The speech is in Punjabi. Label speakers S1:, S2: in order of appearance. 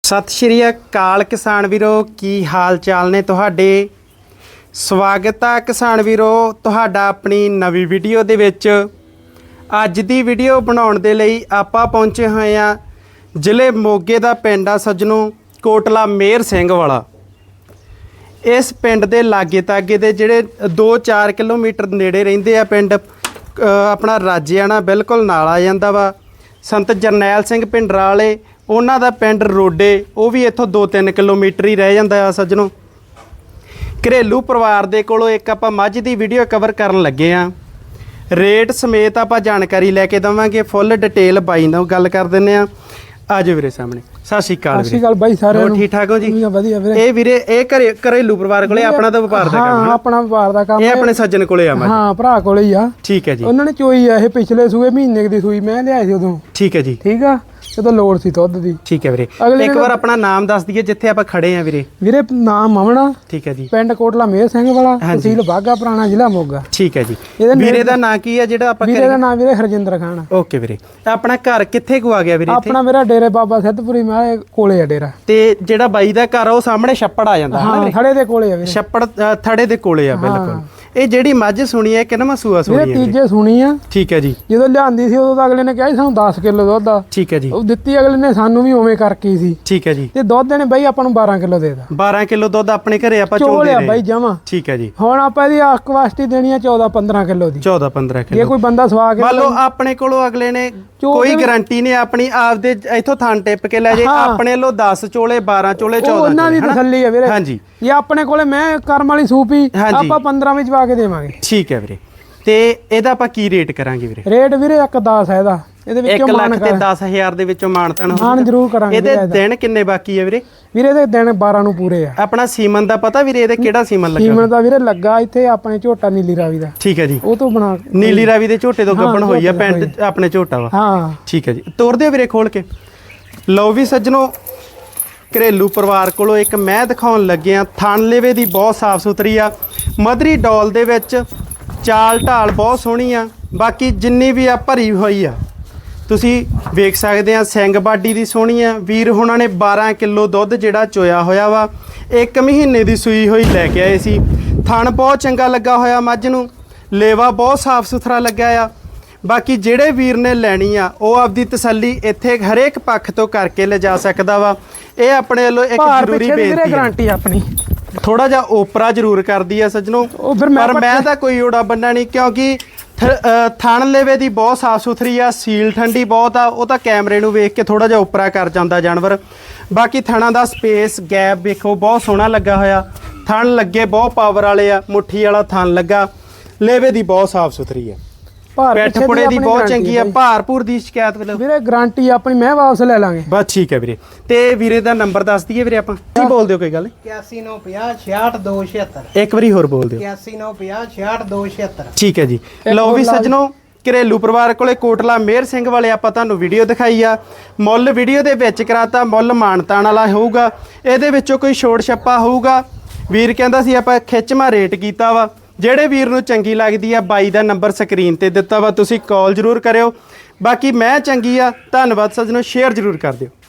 S1: सत श्री अकाल किसान वीरो की हाल चाल ने तुहाडे। स्वागत है किसान वीरो तुहाडा अपनी नवी वीडियो दे विच। अज दी वीडियो बनाउण दे लई आपां पहुंचे होए आ जिले मोगे दा पिंड आ सज्जनों कोटला मेहर सिंह वाला। इस पिंड दे लागे तागे दे जिहड़े 2-4 किलोमीटर नेड़े रहिंदे आ पिंड अपना राजियाना बिल्कुल नाल आ जांदा वा। संत जरनैल सिंह भिंडरां वाले उन्हां दा पिंड रोडे वो भी इत्थों 2-3 किलोमीटर ही रह जांदा आ सज्जनों। घरेलू परिवार दे कोलों एक आपां मੱਝ दी वीडियो कवर करन लगे आ। रेट समेत आपां जानकारी लैके देवांगे, फुल डिटेल बाई नाल गल कर दिंदे आ। आजो वीरे सामने। सत श्री अकाल।
S2: सत श्री अकाल बाई सारे
S1: ठीक ठाक हो जी?
S2: वधिया वीरे।
S1: ਇਹ ਵੀਰੇ ਇਹ ਘਰੇਲੂ ਪਰਿਵਾਰ ਕੋਲੇ ਆਪਣਾ ਤਾਂ ਵਪਾਰ ਦਾ ਕੰਮ ਹੈ।
S2: ਹਾਂ ਆਪਣਾ ਵਪਾਰ ਦਾ ਕੰਮ
S1: ਇਹ ਆਪਣੇ ਸੱਜਣ ਕੋਲੇ ਆ।
S2: ਹਾਂ ਭਰਾ ਕੋਲੇ ਹੀ ਆ।
S1: ਠੀਕ ਹੈ ਜੀ।
S2: ਉਹਨਾਂ ਨੇ ਚੋਈ ਆ ਇਹ ਪਿਛਲੇ ਸੂਏ ਮਹੀਨੇ ਦੀ ਸੂਈ ਮੈਂ ਲਿਆਈ ਸੀ ਉਦੋਂ।
S1: ਠੀਕ ਹੈ ਜੀ।
S2: ਠੀਕ ਆ ਜਦੋਂ ਲੋੜ ਸੀ ਦੁੱਧ ਦੀ।
S1: ਠੀਕ ਹੈ ਵੀਰੇ। ਇੱਕ ਵਾਰ ਆਪਣਾ ਨਾਮ ਦੱਸ ਦਈਏ ਜਿੱਥੇ ਆਪਾਂ ਖੜੇ ਆ ਵੀਰੇ।
S2: ਵੀਰੇ ਨਾਮ ਮਮਣਾ।
S1: ਠੀਕ ਹੈ ਜੀ।
S2: ਪਿੰਡ ਕੋਟਲਾ ਮੇਹਰ ਸਿੰਘ ਵਾਲਾ, ਤਹਿਸੀਲ ਬਾਗਾ ਪੁਰਾਣਾ, ਜ਼ਿਲ੍ਹਾ ਮੋਗਾ।
S1: ਠੀਕ ਹੈ ਜੀ। ਵੀਰੇ ਦਾ ਨਾਂ ਕੀ ਆ ਜਿਹੜਾ ਆਪਾਂ?
S2: ਵੀਰੇ ਦਾ ਨਾਮ ਵੀਰੇ ਹਰਜਿੰਦਰ ਖਾਨ।
S1: ਓਕੇ ਵੀਰੇ। ਆਪਣਾ ਘਰ ਕਿੱਥੇ ਕੁ ਆ ਗਿਆ ਵੀਰੇ?
S2: ਆਪਣਾ ਮੇਰਾ ਡੇਰੇ ਬਾਬਾ ਸਿੱਧਪੁਰੀ ਮਾਲੇ ਕੋਲੇ ਆ ਡੇਰਾ।
S1: ਤੇ ਜਿਹੜਾ ਬਾਈ ਦਾ ਘਰ ਆ ਉਹ ਸਾਹਮਣੇ ਛੱਪੜ ਆ ਜਾਂਦਾ ਹੈ ਨਾ ਵੀਰੇ?
S2: ਥੜੇ ਦੇ ਕੋਲੇ ਆ ਵੀਰੇ।
S1: ਛੱਪੜ ਥੜੇ ਦੇ ਕੋਲੇ ਆ ਬਿਲਕੁਲ। ਇਹ ਜਿਹੜੀ ਮੱਝ ਸੁਣੀ ਹੈ ਕਿੰਨਾ ਸੂਆ ਸੁਣੀ ਹੈ?
S2: ਤੀਜੇ ਸੁਣੀ ਆ।
S1: ਠੀਕ ਹੈ ਜੀ।
S2: ਜਦੋਂ ਲਿਆਂਦੀ ਸੀ ਉਦੋਂ ਤਾਂ ਅਗਲੇ ਨੇ ਕਿਹਾ ਸੀ ਸਾਨੂੰ 10 ਕਿਲੋ ਦੁੱਧ ਆ।
S1: ਠੀਕ ਹੈ ਜੀ।
S2: ਉਹ ਦਿੱਤੀ ਅਗਲੇ ਨੇ ਸਾਨੂੰ ਵੀ ਉਵੇਂ ਕਰਕੇ ਸੀ।
S1: ਠੀਕ ਹੈ ਜੀ।
S2: ਤੇ ਦੁੱਧ ਨੇ ਬਾਈ ਆਪਾਂ ਨੂੰ 12 ਕਿਲੋ ਦੇਦਾ।
S1: 12 ਕਿਲੋ ਦੁੱਧ ਆਪਣੇ ਘਰੇ ਆਪਾਂ
S2: ਚੋਲੇ ਆ ਬਾਈ ਜਮਾ।
S1: ਠੀਕ ਹੈ ਜੀ।
S2: ਹੁਣ ਆਪਾਂ ਇਹਦੀ ਕਵਾਸਟੀ ਦੇਣੀ ਆ 14-15 ਕਿਲੋ ਦੀ।
S1: 14-15 ਕਿਲੋ।
S2: ਜੇ ਕੋਈ ਬੰਦਾ ਸਵਾ ਕੇ
S1: ਮੰਨ ਲਓ ਆਪਣੇ ਕੋਲੋਂ ਅਗਲੇ ਨੇ ਕੋਈ ਗਾਰੰਟੀ ਨਹੀਂ ਆਪਣੀ ਆਪਦੇ ਇਥੋਂ ਥਣ ਟਿੱਪ ਕੇ ਲੈ ਜੇ ਆਪਣੇ ਵੱਲੋਂ 10 ਚੋਲੇ 12 ਚੋਲੇ 14
S2: ਉਹਨਾਂ ਦੀ ਤਸੱਲੀ ਹੈ ਵੀਰੇ।
S1: ਹਾਂਜੀ।
S2: ਇਹ ਆਪਣੇ ਕੋਲੇ ਮੈਂ ਕਰਮ ਵਾਲੀ ਸੂਪੀ ਆਪਾਂ 15 ਵਿੱਚ ਪਾ ਕੇ ਦੇਵਾਂਗੇ।
S1: ਠੀਕ ਹੈ ਵੀਰੇ। ਤੇ ਇਹਦਾ ਆਪਾਂ ਕੀ ਰੇਟ ਕਰਾਂਗੇ ਵੀਰੇ?
S2: ਰੇਟ ਵੀਰੇ 1.10 ਹੈ ਇਹਦਾ। ਇਹਦੇ ਵਿੱਚੋਂ
S1: 1,10,000 ਦੇ ਵਿੱਚੋਂ ਮਾਨਤਾਨ
S2: ਮਾਨ ਜ਼ਰੂਰ ਕਰਾਂਗੇ।
S1: ਇਹਦੇ ਦਿਨ ਕਿੰਨੇ ਬਾਕੀ ਹੈ ਵੀਰੇ?
S2: ਵੀਰੇ ਇਹਦੇ ਦਿਨ 12 ਨੂੰ ਪੂਰੇ ਆ।
S1: ਆਪਣਾ ਸੀਮਨ ਦਾ ਪਤਾ ਵੀਰੇ ਇਹਦੇ ਕਿਹੜਾ ਸੀਮਨ ਲੱਗਾ?
S2: ਸੀਮਨ ਦਾ ਵੀਰੇ ਲੱਗਾ ਇੱਥੇ ਆਪਣੇ ਝੋਟਾ ਨੀਲੀ ਰਾਵੀ ਦਾ।
S1: ਠੀਕ ਹੈ ਜੀ।
S2: ਉਹ ਤੋਂ ਬਣਾ
S1: ਨੀਲੀ ਰਾਵੀ ਦੇ ਝੋਟੇ ਤੋਂ ਗੱਭਣ ਹੋਈ ਆ ਪਿੰਡ ਆਪਣੇ ਝੋਟਾ ਵਾ।
S2: ਹਾਂ
S1: ਠੀਕ ਹੈ ਜੀ। ਤੋਰ ਦਿਓ ਵੀਰੇ ਖੋਲ ਕੇ। ਲਓ ਵੀ ਸੱਜਣੋ ਘਰੇਲੂ ਪਰਿਵਾਰ ਕੋਲੋਂ ਇੱਕ ਮੈਂ ਦਿਖਾਉਣ ਲੱਗੇ ਆ। ਥਣ ਲੇਵੇ ਦੀ ਬਹੁਤ ਸਾਫ ਸੁਥਰੀ ਆ। ਮਧਰੀ ਡੋਲ ਦੇ ਵਿੱਚ ਚਾਲ ਢਾਲ ਬਹੁਤ ਸੋਹਣੀ ਆ। ਬਾਕੀ ਜਿੰਨੀ ਵੀ ਆ ਭਰੀ ਹੋਈ ਆ ਤੁਸੀਂ ਵੇਖ ਸਕਦੇ ਆ। ਸਿੰਘ ਬਾਡੀ ਦੀ ਸੋਹਣੀ ਆ। ਵੀਰ ਹੁਣਾਂ ਨੇ 12 ਕਿਲੋ ਦੁੱਧ ਜਿਹੜਾ ਚੋਇਆ ਹੋਇਆ ਵਾ। 1 ਮਹੀਨੇ ਦੀ ਸੂਈ ਹੋਈ ਲੈ ਕੇ ਆਏ ਸੀ। ਥਣ ਬਹੁਤ ਚੰਗਾ ਲੱਗਾ ਹੋਇਆ ਮੱਝ ਨੂੰ। ਲੇਵਾ ਬਹੁਤ ਸਾਫ ਸੁਥਰਾ ਲੱਗਾ ਆ। ਬਾਕੀ ਜਿਹੜੇ ਵੀਰ ਨੇ ਲੈਣੀ ਆ ਉਹ ਆਪਦੀ ਤਸੱਲੀ ਇੱਥੇ ਹਰੇਕ ਪੱਖ ਤੋਂ ਕਰਕੇ ਲਿਜਾ ਸਕਦਾ ਵਾ। ਇਹ ਆਪਣੇ ਵੱਲੋਂ ਇੱਕ ਜ਼ਰੂਰੀ ਬੇਨਤੀ ਹੈ।
S2: ਗਾਰੰਟੀ ਆਪਣੀ
S1: ਥੋੜਾ ਜਿਹਾ ਓਪਰਾ ਜ਼ਰੂਰ ਕਰਦੀ ਆ ਸੱਜਣੋ। ਪਰ ਮੈਂ ਤਾਂ ਕੋਈ ਓੜਾ ਬੰਨਾ ਨਹੀਂ ਕਿਉਂਕਿ ਥਣ ਲੇਵੇ ਦੀ ਬਹੁਤ ਸਾਫ ਸੁਥਰੀ ਆ। ਸੀਲ ਠੰਡੀ ਬਹੁਤ ਆ। ਉਹ ਤਾਂ ਕੈਮਰੇ ਨੂੰ ਵੇਖ ਕੇ ਥੋੜਾ ਜਿਹਾ ਓਪਰਾ ਕਰ ਜਾਂਦਾ ਜਾਨਵਰ। ਬਾਕੀ ਥਣਾਂ ਦਾ ਸਪੇਸ ਗੈਪ ਵੇਖੋ ਬਹੁਤ ਸੋਹਣਾ ਲੱਗਾ ਹੋਇਆ। ਥਣ ਲੱਗੇ ਬਹੁਤ ਪਾਵਰ ਵਾਲੇ ਆ। ਮੁੱਠੀ ਵਾਲਾ ਥਣ ਲੱਗਾ। ਲੇਵੇ ਦੀ ਬਹੁਤ ਸਾਫ ਸੁਥਰੀ ਆ। ਪਿੱਠ ਪੁੜੇ ਦੀ ਬਹੁਤ ਚੰਗੀ ਆ। ਭਾਰਪੂਰ ਦੀ ਸ਼ਿਕਾਇਤ
S2: ਵੀਰੇ ਗਾਰੰਟੀ ਆਪਣੀ ਮੈਂ ਵਾਪਸ ਲੈ ਲਾਂਗੇ
S1: ਬਸ। ਠੀਕ ਹੈ ਵੀਰੇ। ਤੇ ਵੀਰੇ ਦਾ ਨੰਬਰ ਦੱਸ ਦਈਏ ਵੀਰੇ ਆਪਾਂ। ਕੀ ਬੋਲ ਦਿਓ ਕੋਈ ਗੱਲ ਨਹੀਂ।
S2: 8195068276।
S1: ਇੱਕ ਵਾਰੀ ਹੋਰ ਬੋਲ ਦਿਓ।
S2: 8195068276।
S1: ਠੀਕ ਹੈ ਜੀ। ਲਓ ਵੀ ਸੱਜਣੋ ਘਰੇਲੂ ਪਰਿਵਾਰ ਕੋਲੇ ਕੋਟਲਾ ਮੇਹਰ ਸਿੰਘ ਵਾਲੇ ਆਪਾਂ ਤੁਹਾਨੂੰ ਵੀਡੀਓ ਦਿਖਾਈ ਆ। ਮੁੱਲ ਵੀਡੀਓ ਦੇ ਵਿੱਚ ਕਰਾਤਾ। ਮੁੱਲ ਮਾਨਤਾਨ ਵਾਲਾ ਹੋਊਗਾ। ਇਹਦੇ ਵਿੱਚੋਂ ਕੋਈ ਛੋੜ ਛੱਪਾ ਹੋਊਗਾ। ਵੀਰ ਕਹਿੰਦਾ ਸੀ ਆਪਾਂ ਖਿੱਚਵਾਂ ਰੇਟ ਕੀਤਾ ਵਾ। ਜਿਹੜੇ ਵੀਰ ਨੂੰ ਚੰਗੀ ਲੱਗਦੀ ਆ ਬਾਈ ਦਾ ਨੰਬਰ ਸਕਰੀਨ ਤੇ ਦਿੱਤਾ ਵਾ। ਤੁਸੀਂ ਕਾਲ ਜ਼ਰੂਰ ਕਰਿਓ। ਬਾਕੀ ਮੈਂ ਚੰਗੀ ਆ। ਧੰਨਵਾਦ ਸੱਜਣੋ। ਸ਼ੇਅਰ ਜ਼ਰੂਰ ਕਰ ਦਿਓ।